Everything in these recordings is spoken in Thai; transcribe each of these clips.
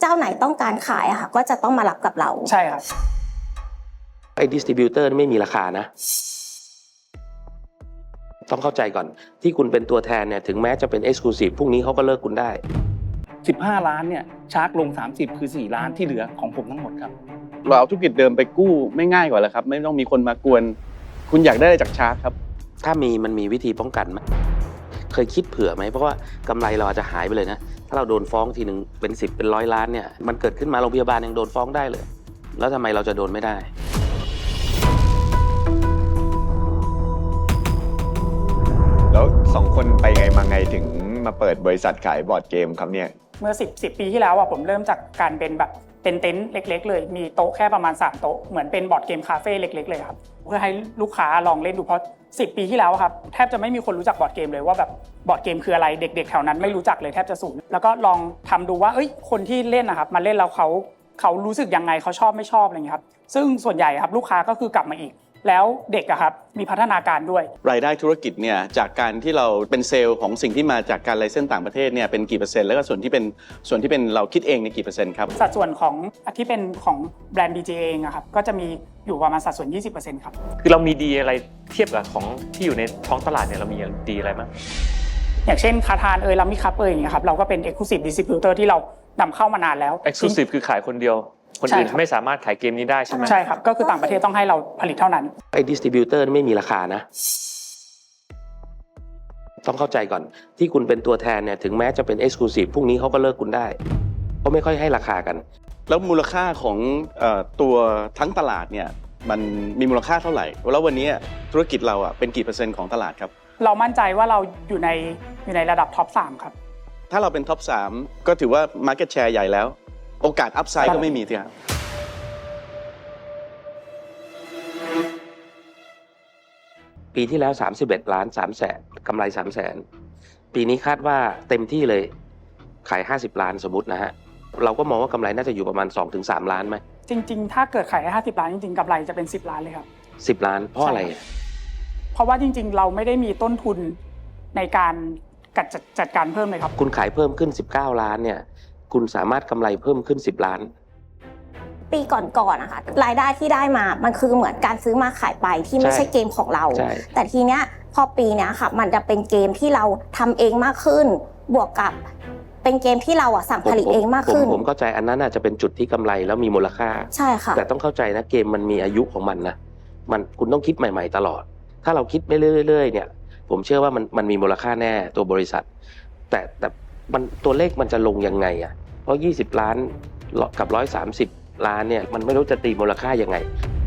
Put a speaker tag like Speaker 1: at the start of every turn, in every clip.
Speaker 1: จ้าไหนต้องการขายอะค่ะก็จะต้องมารับกับเรา
Speaker 2: ใช่ครับ
Speaker 3: ไอ้ดิสติบิวเตอร์ไม่มีราคานะต้องเข้าใจก่อนที่คุณเป็นตัวแทนเนี่ยถึงแม้จะเป็นเอ็กซ์คลูซีฟพรุ่งนี้เขาก็เลิกคุณได้
Speaker 2: 15 ล้านเนี่ยชาร์จลง30คือ4 ล้านที่เหลือของผมทั้งหมดครับ
Speaker 4: เราเอาธุรกิจเดิมไปกู้ไม่ง่ายกว่าแล้วครับไม่ต้องมีคนมากวนคุณอยากได้อะไรจากชาร์จครับ
Speaker 3: ถ้ามันมีวิธีป้องกันไหมเคยคิดเผื่อไหมเพราะว่ากำไรเราอาจจะหายไปเลยนะถ้าเราโดนฟ้องทีหนึ่งเป็น10เป็น100 ล้านเนี่ยมันเกิดขึ้นมาโรงพยาบาลยังโดนฟ้องได้เลยแล้วทำไมเราจะโดนไม่ได้
Speaker 5: แล้ว2 คนไปไงมาไงถึงมาเปิดบริษัทขายบอร์ดเกมครับเนี่ย
Speaker 2: เมื่อ10 ปีที่แล้วผมเริ่มจากการเป็นแบบเป็นเต็นท์เล็กๆเลยมีโต๊ะแค่ประมาณ3 โต๊ะเหมือนเป็นบอร์ดเกมคาเฟ่เล็กๆเลยครับเพื่อให้ลูกค้าลองเล่นดูเพราะ10 ปีที่แล้วครับแทบจะไม่มีคนรู้จักบอร์ดเกมเลยว่าแบบบอร์ดเกมคืออะไรเด็กๆแถวนั้นไม่รู้จักเลยแทบจะศูนย์แล้วก็ลองทำดูว่าคนที่เล่นนะครับมาเล่นแล้วเขารู้สึกยังไงเขาชอบไม่ชอบอะไรอย่างเงี้ยครับซึ่งส่วนใหญ่ครับลูกค้าก็คือกลับมาอีกแล้วเด็กครับมีพัฒนาการด้วย
Speaker 4: รายได้ธุรกิจเนี่ยจากการที่เราเป็นเซลล์ของสิ่งที่มาจากการไลเซนส์ต่างประเทศเนี่ยเป็นกี่เปอร์เซ็นต์แล้วก็ส่วนที่เป็นเราคิดเองในกี่เปอร์เซ็นต์ครับ
Speaker 2: สัดส่วนของที่เป็นของแบรนด์ BJ เองครับก็จะมีอยู่ประมาณสัดส่วน 20% ครับ
Speaker 6: คือเรามีดีอะไรเทียบกับของที่อยู่ในท้องตลาดเนี่ยเรามีดีอะไรบ้าง
Speaker 2: อย่างเช่นคาทานลามิคัพอย่างเงี้ยครับเราก็เป็น Exclusive Distributor ที่เรานำเข้ามานานแล้ว
Speaker 6: Exclusive คือขายคนเดียวคนอื่นไม่สามารถขายเกมนี้ได้ใช่ไหม
Speaker 2: ใช่ครับก็คือต่างประเทศต้องให้เราผลิตเท่านั้น
Speaker 3: ไอ้ดิสติบิวเตอร์ไม่มีราคานะต้องเข้าใจก่อนที่คุณเป็นตัวแทนเนี่ยถึงแม้จะเป็นเอ็กซ์คลูซีฟพรุ่งนี้เขาก็เลิกคุณได้เพราะไม่ค่อยให้ราคากัน
Speaker 4: แล้วมูลค่าของตัวทั้งตลาดเนี่ยมันมีมูลค่าเท่าไหร่แล้ววันนี้ธุรกิจเราเป็นกี่เปอร์เซ็นต์ของตลาดครับ
Speaker 2: เรามั่นใจว่าเราอยู่ในระดับท็อป3ครับ
Speaker 4: ถ้าเราเป็นท็อป3ก็ถือว่า Market Share ใหญ่แล้วโอกาสอัพไซด์ก็ไม่มีทีครับ
Speaker 3: ปีที่แล้ว31 ล้าน3 แสนกำไร3 แสนปีนี้คาดว่าเต็มที่เลยขาย50 ล้านสมมตินะฮะเราก็มองว่ากำไรน่าจะอยู่ประมาณ 2-3 ล้านไหม
Speaker 2: จริงๆถ้าเกิดขาย50 ล้านจริงๆกำไรจะเป็น10 ล้านเลยครับ
Speaker 3: 10 ล้านเพราะอะไร
Speaker 2: เพราะว่าจริงๆเราไม่ได้มีต้นทุนในการจัดการเพิ่มเลยครับ
Speaker 3: คุณขายเพิ่มขึ้น19 ล้านเนี่ยคุณสามารถกำไรเพิ่มขึ้น10 ล้าน
Speaker 1: ปีก่อนๆนะคะรายได้ที่ได้มามันคือเหมือนการซื้อมาขายไปที่ไม่ใช่เกมของเราแต่ทีเนี้ยพอปีเนี้ยค่ะมันจะเป็นเกมที่เราทำเองมากขึ้นบวกกับเป็นเกมที่เราสั่งผลิตเองมากขึ้น
Speaker 3: ผมเข้าใจอันนั้นอาจจะเป็นจุดที่กำไรแล้วมีมูลค่า
Speaker 1: ใช่ค่ะ
Speaker 3: แต่ต้องเข้าใจนะเกมมันมีอายุของมันนะคุณต้องคิดใหม่ๆตลอดถ้าเราคิดไปเรื่อยๆเนี่ยผมเชื่อว่ามันมีมูลค่าแน่ตัวบริษัทแต่มันตัวเลขมันจะลงยังไงเพราะ20 ล้านกับ130 ล้านเนี่ยมันไม่รู้จะตีมูลค่ายังไง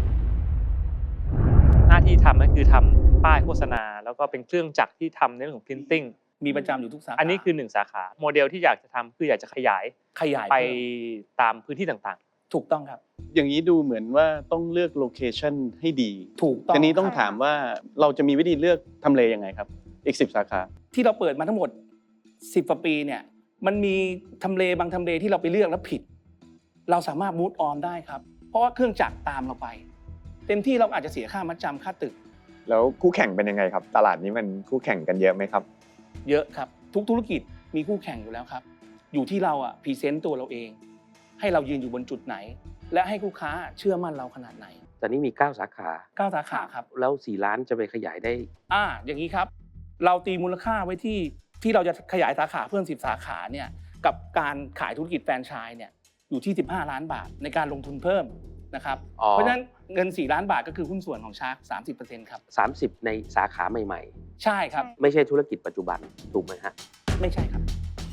Speaker 6: หน้าที่ทำก็คือทำป้ายโฆษณาแล้วก็เป็นเครื่องจักรที่ทำในเรื่องของ printing
Speaker 2: มีประจำอยู่ทุกสาขา
Speaker 6: อันนี้คือ1 สาขาโมเดลที่อยากจะทำคืออยากจะขยายไปตามพื้นที่ต่าง
Speaker 2: ๆถูกต้องครับ
Speaker 4: อย่างนี้ดูเหมือนว่าต้องเลือกโลเคชันให้ดี
Speaker 2: ถูกต้อง
Speaker 4: ทีนี้ต้องถามว่าเราจะมีวิธีเลือกทำเลยังไงครับอีก10 สาขา
Speaker 2: ที่เราเปิดมาทั้งหมด10 กว่าปีเนี่ยมันมีทำเลบางทำเลที่เราไปเลือกแล้วผิดเราสามารถมูฟออนได้ครับเพราะว่าเครื่องจักรตามเราไปเต็มที่เราอาจจะเสียค่ามัดจำค่าตึก
Speaker 5: แล้วคู่แข่งเป็นยังไงครับตลาดนี้มันคู่แข่งกันเยอะไหมครับ
Speaker 2: เยอะครับทุกธุรกิจมีคู่แข่งอยู่แล้วครับอยู่ที่เราพรีเซนต์ตัวเราเองให้เรายืนอยู่บนจุดไหนและให้ลูกค้าเชื่อมั่นเราขนาดไหน
Speaker 3: ตอนนี้มี9 สาขา
Speaker 2: 9 สาขาครับ
Speaker 3: แล้ว4 ล้านจะไปขยายได้
Speaker 2: อย่างนี้ครับเราตีมูลค่าไว้ที่เราจะขยายสาขาเพิ่ม10 สาขาเนี่ยกับการขายธุรกิจแฟรนไชส์เนี่ยอยู่ที่15 ล้านบาทในการลงทุนเพิ่มนะครับเพราะฉะนั้นเงิน4 ล้านบาทก็คือหุ้นส่วนของชาร์ก 30% ครับ
Speaker 3: 30ในสาขาใหม่
Speaker 2: ๆใช่ครับ
Speaker 3: ไม่ใช่ธุรกิจปัจจุบันถูกไหมฮะ
Speaker 2: ไม่ใช่ครับ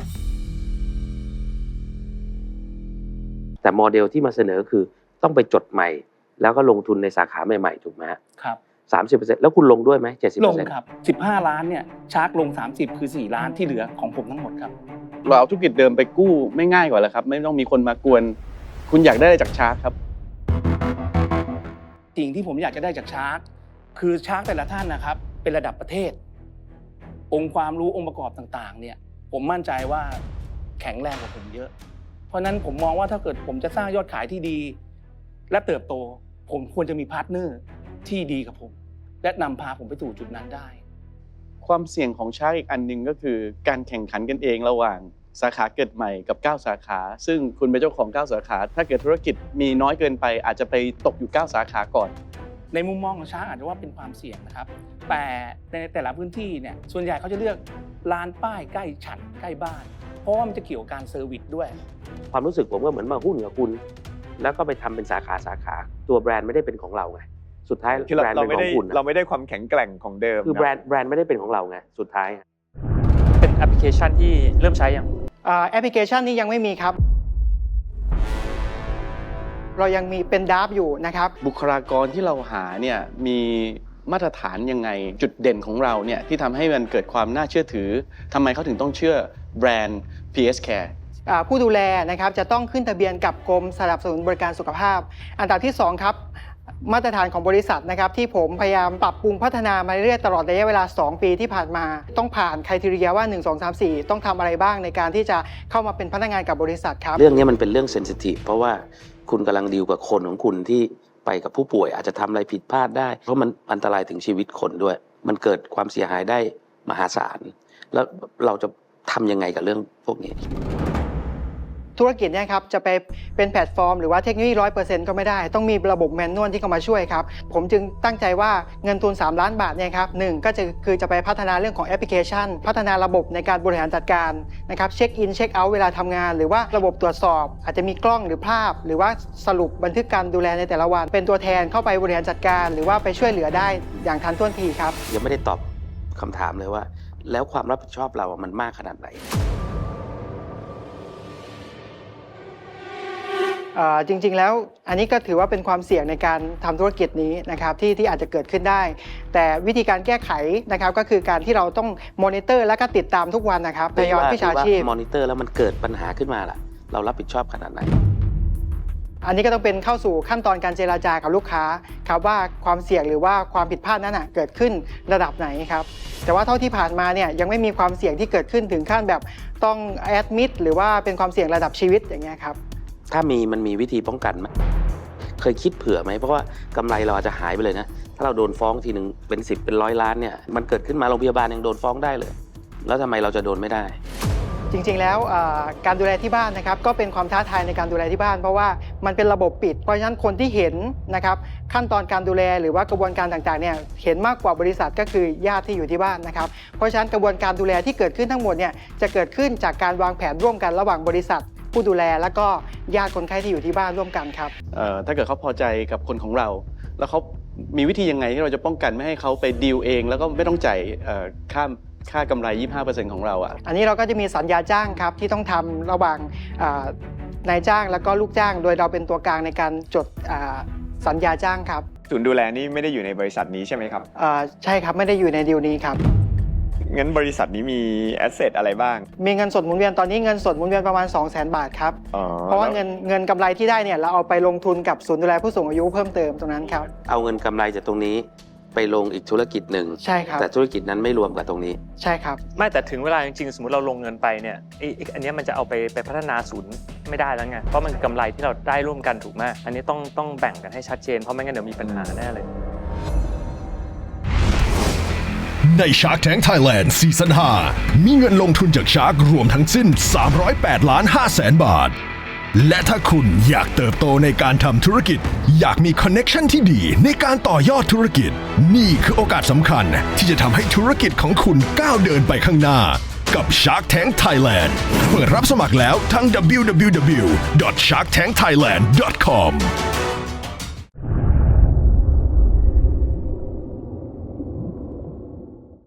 Speaker 3: แต่โมเดลที่มาเสนอคือต้องไปจดใหม่แล้วก็ลงทุนในสาขาใหม่ๆถูกไหม
Speaker 2: ครับ
Speaker 3: 30% แล้วคุณลงด้วยไหม 70%
Speaker 2: ลงครับ15 ล้านเนี่ยชาร์กลง30คือ4 ล้านที่เหลือของผมทั้งหมดครับ
Speaker 4: เราเอาธุรกิจเดิมไปกู้ไม่ง่ายกว่าแล้วครับไม่ต้องมีคนมากวนคุณอยากได้อะไรจากชาร์กครับ
Speaker 2: สิ่งที่ผมอยากจะได้จากชาร์กคือชาร์กแต่ละท่านนะครับเป็นระดับประเทศองค์ความรู้องค์ประกอบต่างๆเนี่ยผมมั่นใจว่าแข็งแรงกว่าผมเยอะเพราะนั้นผมมองว่าถ้าเกิดผมจะสร้างยอดขายที่ดีและเติบโตผมควรจะมีพาร์ทเนอร์ที่ดีกับผมและนำพาผมไปสู่จุดนั้นได้
Speaker 4: ความเสี่ยงของชาร์กอีกอันนึงก็คือการแข่งขันกันเองระหว่างสาขาเกิดใหม่กับ9สาขาซึ่งคุณเป็นเจ้าของ9สาขาถ้าเกิดธุรกิจมีน้อยเกินไปอาจจะไปตกอยู่9สาขาก่อน
Speaker 7: ในมุมมองของช้างอาจจะว่าเป็นความเสี่ยงนะครับแต่ในแต่ละพื้นที่เนี่ยส่วนใหญ่เขาจะเลือกร้านป้ายใกล้ฉันใกล้บ้านเพราะว่ามันจะเกี่ยวกับการเซอร์วิสด้วย
Speaker 3: ความรู้สึกผมก็เหมือนมาหุ้นกับคุณ แล้วก็ไปทำเป็นสาขาตัวแบรนด์ไม่ได้เป็นของเราไงสุดท้าย
Speaker 5: คือ
Speaker 3: แบรนด์
Speaker 5: เรา
Speaker 3: เป็น
Speaker 5: ไม่
Speaker 3: ขอ
Speaker 5: ได้
Speaker 3: งคุณ
Speaker 5: เราไม่ได้ความแข็งแกร่งของเดิม
Speaker 3: คือแบรนด์ไม่ได้เป็นของเราไงสุดท้าย
Speaker 6: เป็นแอปพลิเคชันที่เริ่มใช้ยัง
Speaker 8: แอปพลิเคชันนี้ยังไม่มีครับ เรายังมีเป็นดราฟอยู่นะครับ
Speaker 4: บุคลากรที่เราหาเนี่ยมีมาตรฐานยังไงจุดเด่นของเราเนี่ยที่ทำให้มันเกิดความน่าเชื่อถือทำไมเขาถึงต้องเชื่อแบรนด์ PS Care
Speaker 8: ผู้ดูแลนะครับจะต้องขึ้นทะเบียนกับกรมสนับสนุนบริการสุขภาพ อันดับที่2ครับมาตรฐานของบริษัทนะครับที่ผมพยายามปรับปรุงพัฒนามาเรื่อยๆตลอดระยะเวลา2ปีที่ผ่านมาต้องผ่านไครทีเรียว่า1 2 3 4ต้องทำอะไรบ้างในการที่จะเข้ามาเป็นพนักงานกับบริษัทครับ
Speaker 3: เรื่องนี้มันเป็นเรื่องเซนซิทีฟเพราะว่าคุณกำลังดีลกับคนของคุณที่ไปกับผู้ป่วยอาจจะทำอะไรผิดพลาดได้เพราะมันอันตรายถึงชีวิตคนด้วยมันเกิดความเสียหายได้มหาศาลแล้วเราจะทำยังไงกับเรื่องพวกนี้
Speaker 8: ธุรกิจเนี่ยครับจะไปเป็นแพลตฟอร์มหรือว่าเทคโนโลยี 100% ก็ไม่ได้ต้องมีระบบแมนนวลที่เข้ามาช่วยครับผมจึงตั้งใจว่าเงินทุน3 ล้านบาทเนี่ยครับ1ก็คือจะไปพัฒนาเรื่องของแอปพลิเคชันพัฒนาระบบในการบริหารจัดการนะครับเช็คอินเช็คเอาท์เวลาทำงานหรือว่าระบบตรวจสอบอาจจะมีกล้องหรือภาพหรือว่าสรุปบันทึกการดูแลในแต่ละวันเป็นตัวแทนเข้าไปบริหารจัดการหรือว่าไปช่วยเหลือได้อย่างทันท่วงทีครับ
Speaker 3: ยังไม่ได้ตอบคำถามเลยว่าแล้วความรับผิดชอบเรามันมากขนาดไหน
Speaker 8: จริงๆแล้วอันนี้ก็ถือว่าเป็นความเสี่ยงในการทำธุรกิจนี้นะครับที่อาจจะเกิดขึ้นได้แต่วิธีการแก้ไขนะครับก็คือการที่เราต้องมอนิเตอร์และก็ติดตามทุกวันนะครับในยอดวิชาชีพ
Speaker 3: มอนิเตอร์แล้วมันเกิดปัญหาขึ้นมาล่ะเรารับผิดชอบขนาดไหน
Speaker 8: อันนี้ก็ต้องเป็นเข้าสู่ขั้นตอนการเจรจากับลูกค้าครับว่าความเสี่ยงหรือว่าความผิดพลาดนั้นเกิดขึ้นระดับไหนครับแต่ว่าเท่าที่ผ่านมาเนี่ยยังไม่มีความเสี่ยงที่เกิดขึ้นถึงขั้นแบบต้องแอดมิดหรือว่าเป็นความเสี่ยงระดับชีวิตอย่างเงี้ยครับ
Speaker 3: ถ้ามันมีวิธีป้องกันไหมเคยคิดเผื่อไหมเพราะว่ากำไรเราอาจจะหายไปเลยนะถ้าเราโดนฟ้องทีหนึ่งเป็น10เป็น100 ล้านเนี่ยมันเกิดขึ้นมาโรงพยาบาลยังโดนฟ้องได้เลยแล้วทำไมเราจะโดนไม่ได้
Speaker 8: จริงๆแล้วการดูแลที่บ้านนะครับก็เป็นความท้าทายในการดูแลที่บ้านเพราะว่ามันเป็นระบบปิดเพราะฉะนั้นคนที่เห็นนะครับขั้นตอนการดูแลหรือว่ากระบวนการต่างๆเนี่ยเห็นมากกว่าบริษัทก็คือญาติที่อยู่ที่บ้านนะครับเพราะฉะนั้นกระบวนการดูแลที่เกิดขึ้นทั้งหมดเนี่ยจะเกิดขึ้นจากการวางแผนร่วมกันระหว่างบริษัทผู้ดูแลแล้วก็ญาติคนไข้ที่อยู่ที่บ้านร่วมกันครับ
Speaker 4: ถ้าเกิดเขาพอใจกับคนของเราแล้วเขามีวิธียังไงที่เราจะป้องกันไม่ให้เขาไปดีลเองแล้วก็ไม่ต้องจ่ายค่ากำไร 25% ของเรา
Speaker 8: อันนี้เราก็จะมีสัญญาจ้างครับที่ต้องทำระหว่างนายจ้างแล้วก็ลูกจ้างโดยเราเป็นตัวกลางในการจดสัญญาจ้างครับ
Speaker 5: ศูนย์ดูแลนี่ไม่ได้อยู่ในบริษัทนี้ใช่ไหมครับ
Speaker 8: ใช่ครับไม่ได้อยู่ในดีลนี้ครับ
Speaker 5: งั้นบริษัทนี้มีแอสเซทอะไรบ้าง
Speaker 8: มีเงินสดหมุนเวียนตอนนี้เงินสดหมุนเวียนประมาณ 200,000 บาทครับเพราะว่าเงินกำไรที่ได้เนี่ยเราเอาไปลงทุนกับศูนย์ดูแลผู้สูงอายุเพิ่มเติมตรงนั้นครับ
Speaker 3: เอาเงินกำไรจากตรงนี้ไปลงอีกธุรกิจหนึ่ง
Speaker 8: ใช่ครับ
Speaker 3: แต่ธุรกิจนั้นไม่รวมกับตรงนี้
Speaker 8: ใช่ครับ
Speaker 6: ไม่แต่ถึงเวลาจริงๆสมมติเราลงเงินไปเนี่ยอันนี้มันจะเอาไปพัฒนาศูนย์ไม่ได้แล้วไงเพราะมันกำไรที่เราได้ร่วมกันถูกไหมอันนี้ต้องแบ่งกันให้ชัดเจนเพราะไม่งั้นเดี๋ยวมีปัญหาแน่เลย
Speaker 9: ใน Shark Tank Thailand ซีซั่น 5 มีเงินลงทุนจาก Shark รวมทั้งสิ้น 308.5 ล้านบาท และถ้าคุณอยากเติบโตในการทำธุรกิจอยากมีคอนเน็กชันที่ดีในการต่อยอดธุรกิจนี่คือโอกาสสำคัญที่จะทำให้ธุรกิจของคุณก้าวเดินไปข้างหน้ากับ Shark Tank Thailand เปิดรับสมัครแล้วทั้ง www.sharktankthailand.com